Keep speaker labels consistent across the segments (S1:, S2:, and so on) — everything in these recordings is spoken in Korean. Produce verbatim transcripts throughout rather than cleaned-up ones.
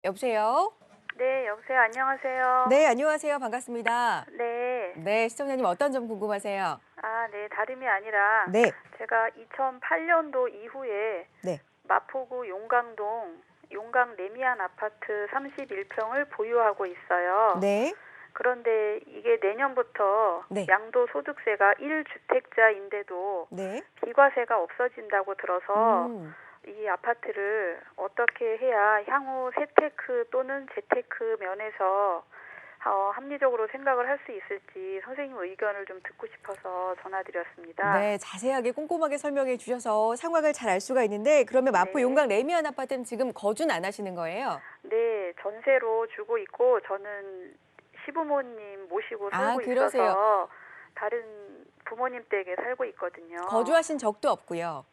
S1: 여보세요?
S2: 네, 여보세요. 안녕하세요.
S1: 네, 안녕하세요. 반갑습니다.
S2: 네.
S1: 네, 시청자님 어떤 점 궁금하세요?
S2: 아, 네. 다름이 아니라
S1: 네,
S2: 제가 이천팔 년도 이후에
S1: 네,
S2: 마포구 용강동 용강 레미안 아파트 삼십일 평을 보유하고 있어요.
S1: 네,
S2: 그런데 이게 내년부터
S1: 네,
S2: 양도소득세가 일 주택자인데도
S1: 네.
S2: 비과세가 없어진다고 들어서
S1: 음,
S2: 이 아파트를 어떻게 해야 향후 세테크 또는 재테크 면에서 어, 합리적으로 생각을 할 수 있을지 선생님 의견을 좀 듣고 싶어서 전화드렸습니다.
S1: 네, 자세하게 꼼꼼하게 설명해 주셔서 상황을 잘 알 수가 있는데 그러면 마포
S2: 네.
S1: 용강 레미안 아파트는 지금 거주는 안 하시는 거예요?
S2: 네, 전세로 주고 있고 저는 시부모님 모시고
S1: 아,
S2: 살고
S1: 그러세요.
S2: 있어서 다른 부모님 댁에 살고 있거든요.
S1: 거주하신 적도 없고요.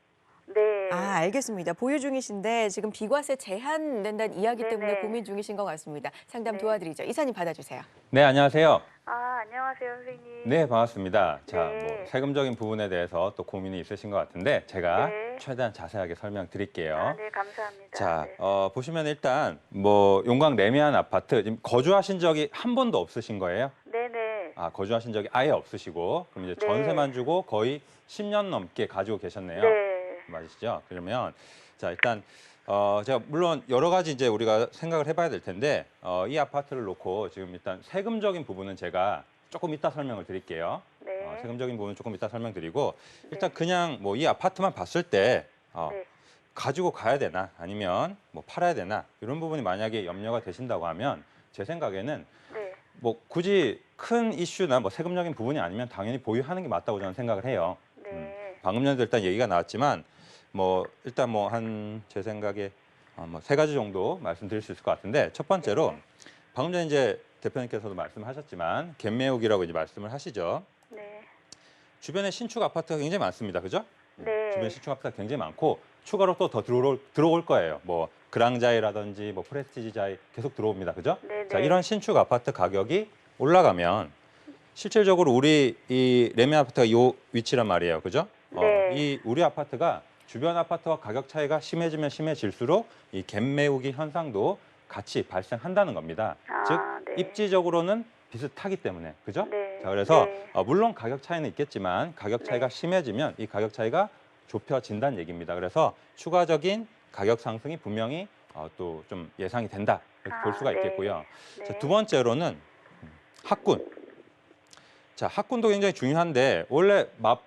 S1: 아,
S2: 네.
S1: 알겠습니다. 보유 중이신데 지금 비과세 제한된다는 이야기 때문에
S2: 네네.
S1: 고민 중이신 것 같습니다. 상담
S2: 네.
S1: 도와드리죠. 이사님 받아주세요.
S3: 네, 안녕하세요.
S2: 아, 안녕하세요, 선생님.
S3: 네, 반갑습니다. 자,
S2: 네.
S3: 뭐 세금적인 부분에 대해서 또 고민이 있으신 것 같은데 제가
S2: 네.
S3: 최대한 자세하게 설명드릴게요.
S2: 아, 네, 감사합니다.
S3: 자,
S2: 네.
S3: 어, 보시면 일단 뭐 용강 레미안 아파트 지금 거주하신 적이 한 번도 없으신 거예요?
S2: 네네.
S3: 아, 거주하신 적이 아예 없으시고 그럼 이제
S2: 네.
S3: 전세만 주고 거의 십 년 넘게 가지고 계셨네요.
S2: 네.
S3: 맞으시죠? 그러면 자, 일단 어, 제가 물론 여러 가지 이제 우리가 생각을 해봐야 될 텐데 어, 이 아파트를 놓고 지금 일단 세금적인 부분은 제가 조금 이따 설명을 드릴게요.
S2: 네.
S3: 어, 세금적인 부분은 조금 이따 설명드리고 일단
S2: 네.
S3: 그냥 뭐 이 아파트만 봤을 때 어,
S2: 네.
S3: 가지고 가야 되나 아니면 뭐 팔아야 되나 이런 부분이 만약에 염려가 되신다고 하면 제 생각에는
S2: 네.
S3: 뭐 굳이 큰 이슈나 뭐 세금적인 부분이 아니면 당연히 보유하는 게 맞다고 저는 생각을 해요.
S2: 네.
S3: 음, 방금 전에도 일단 얘기가 나왔지만 뭐 일단 뭐 한 제 생각에 어, 뭐 세 가지 정도 말씀드릴 수 있을 것 같은데 첫 번째로
S2: 네.
S3: 방금 전에 이제 대표님께서도 말씀하셨지만 갭매우기라고 이제 말씀을 하시죠.
S2: 네.
S3: 주변에 신축 아파트가 굉장히 많습니다. 그죠? 음,
S2: 네.
S3: 주변에 신축 아파트가 굉장히 많고 추가로 또 더 들어올, 들어올 거예요. 뭐 그랑자이라든지 뭐 프레스티지자이 계속 들어옵니다. 그죠?
S2: 네.
S3: 자,
S2: 네.
S3: 이런 신축 아파트 가격이 올라가면 실질적으로 우리 이 레미 아파트가 요 위치란 말이에요. 그죠? 어,
S2: 네.
S3: 이 우리 아파트가 주변 아파트와 가격 차이가 심해지면 심해질수록 이 갭매우기 현상도 같이 발생한다는 겁니다.
S2: 아,
S3: 즉
S2: 네.
S3: 입지적으로는 비슷하기 때문에 그죠?
S2: 네.
S3: 자, 그래서
S2: 네.
S3: 어, 물론 가격 차이는 있겠지만 가격 차이가
S2: 네.
S3: 심해지면 이 가격 차이가 좁혀진다는 얘기입니다. 그래서 추가적인 가격 상승이 분명히 어, 또 좀 예상이 된다 이렇게 볼
S2: 아,
S3: 수가
S2: 네.
S3: 있겠고요.
S2: 네.
S3: 자, 두 번째로는 음, 학군. 자, 학군도 굉장히 중요한데 원래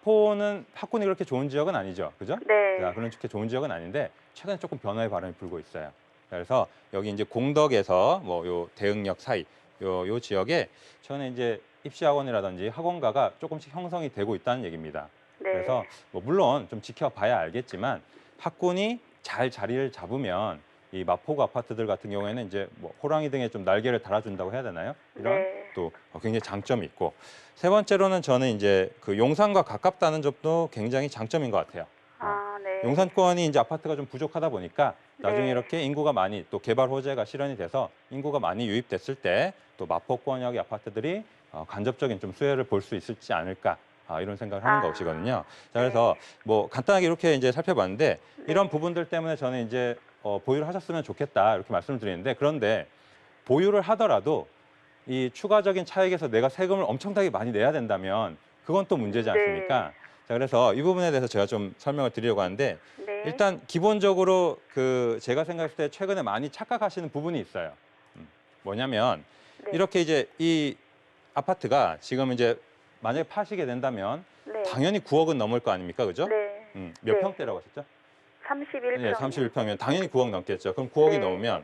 S3: 마포는 학군이 그렇게 좋은 지역은 아니죠, 그죠?
S2: 네.
S3: 자, 그런 그렇게 좋은 지역은 아닌데 최근에 조금 변화의 바람이 불고 있어요. 그래서 여기 이제 공덕에서 뭐 요 대흥역 사이 요, 요 지역에 최근에 이제 입시학원이라든지 학원가가 조금씩 형성이 되고 있다는 얘기입니다.
S2: 네.
S3: 그래서 뭐 물론 좀 지켜봐야 알겠지만 학군이 잘 자리를 잡으면 이 마포구 아파트들 같은 경우에는 이제 뭐 호랑이 등에 좀 날개를 달아준다고 해야 되나요? 이런
S2: 네.
S3: 또 굉장히 장점이 있고 세 번째로는 저는 이제 그 용산과 가깝다는 점도 굉장히 장점인 것 같아요. 어,
S2: 아, 네.
S3: 용산권이 이제 아파트가 좀 부족하다 보니까 나중에
S2: 네.
S3: 이렇게 인구가 많이 또 개발 호재가 실현이 돼서 인구가 많이 유입됐을 때 또 마포권역의 아파트들이 어, 간접적인 좀 수혜를 볼 수 있을지 않을까 아, 이런 생각을 하는
S2: 아.
S3: 것이거든요. 자, 그래서 뭐 간단하게 이렇게 이제 살펴봤는데
S2: 네.
S3: 이런 부분들 때문에 저는 이제 어, 보유를 하셨으면 좋겠다 이렇게 말씀을 드리는데 그런데 보유를 하더라도 이 추가적인 차익에서 내가 세금을 엄청나게 많이 내야 된다면 그건 또 문제지 않습니까?
S2: 네.
S3: 자, 그래서 이 부분에 대해서 제가 좀 설명을 드리려고 하는데
S2: 네.
S3: 일단 기본적으로 그 제가 생각했을 때 최근에 많이 착각하시는 부분이 있어요. 음, 뭐냐면
S2: 네.
S3: 이렇게 이제 이 아파트가 지금 이제 만약에 파시게 된다면
S2: 네.
S3: 당연히 구억은 넘을 거 아닙니까? 그죠?
S2: 네.
S3: 음, 몇
S2: 네.
S3: 평대라고 하셨죠?
S2: 삼십일 평.
S3: 네, 삼십일 평이면 당연히 구억 넘겠죠. 그럼 구억이
S2: 네.
S3: 넘으면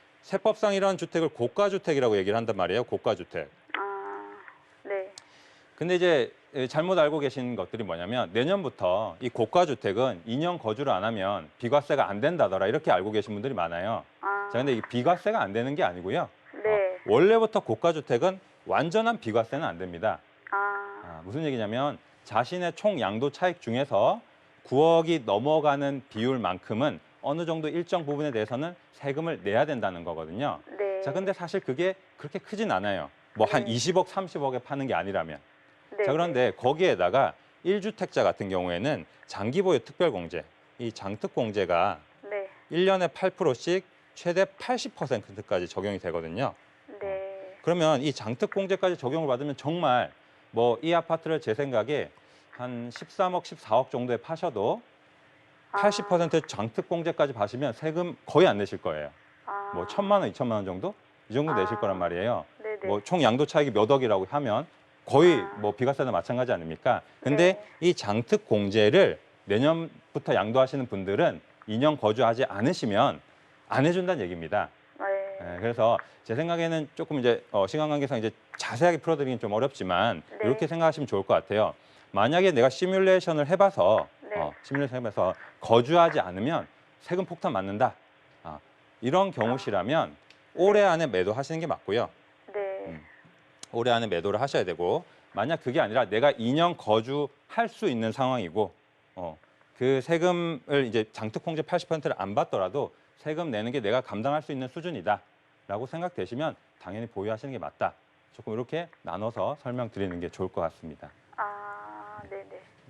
S3: 세법상 이런 주택을 고가주택이라고 얘기를 한단 말이에요. 고가주택.
S2: 아, 네.
S3: 근데 이제 잘못 알고 계신 것들이 뭐냐면 내년부터 이 고가주택은 이 년 거주를 안 하면 비과세가 안 된다더라 이렇게 알고 계신 분들이 많아요.
S2: 아,
S3: 자, 근데 이 비과세가 안 되는 게 아니고요.
S2: 네.
S3: 어, 원래부터 고가주택은 완전한 비과세는 안 됩니다.
S2: 아,
S3: 아, 무슨 얘기냐면 자신의 총 양도 차익 중에서 구억이 넘어가는 비율만큼은 어느 정도 일정 부분에 대해서는 세금을 내야 된다는 거거든요.
S2: 네.
S3: 자, 근데 사실 그게 그렇게 크진 않아요. 뭐 한
S2: 네.
S3: 이십억, 삼십억에 파는 게 아니라면.
S2: 네.
S3: 자, 그런데 거기에다가 일 주택자 같은 경우에는 장기보유 특별공제, 이 장특공제가
S2: 네.
S3: 일 년에 팔 퍼센트씩 최대 팔십 퍼센트까지 적용이 되거든요.
S2: 네.
S3: 그러면 이 장특공제까지 적용을 받으면 정말 뭐 이 아파트를 제 생각에 한 십삼억, 십사억 정도에 파셔도 팔십 퍼센트 장특공제까지 받으시면 세금 거의 안 내실 거예요.
S2: 아.
S3: 뭐 천만 원, 이천만 원 정도? 이 정도 내실
S2: 아.
S3: 거란 말이에요.
S2: 네네.
S3: 뭐 총 양도 차익이 몇 억이라고 하면 거의
S2: 아.
S3: 뭐 비과세나 마찬가지 아닙니까? 근데
S2: 네.
S3: 이 장특공제를 내년부터 양도하시는 분들은 이 년 거주하지 않으시면 안 해준다는 얘기입니다.
S2: 네.
S3: 네, 그래서 제 생각에는 조금 이제 어, 시간 관계상 이제 자세하게 풀어드리긴 좀 어렵지만
S2: 네.
S3: 이렇게 생각하시면 좋을 것 같아요. 만약에 내가 시뮬레이션을 해봐서
S2: 네.
S3: 어, 시뮬레이션 해봐서 거주하지 않으면 세금 폭탄 맞는다. 아, 이런 경우시라면 올해 안에 매도하시는 게 맞고요.
S2: 네.
S3: 음. 올해 안에 매도를 하셔야 되고 만약 그게 아니라 내가 이 년 거주할 수 있는 상황이고 어, 그 세금을 이제 장특공제 팔십 퍼센트를 안 받더라도 세금 내는 게 내가 감당할 수 있는 수준이다라고 생각되시면 당연히 보유하시는 게 맞다. 조금 이렇게 나눠서 설명드리는 게 좋을 것 같습니다.
S2: 아, 네네.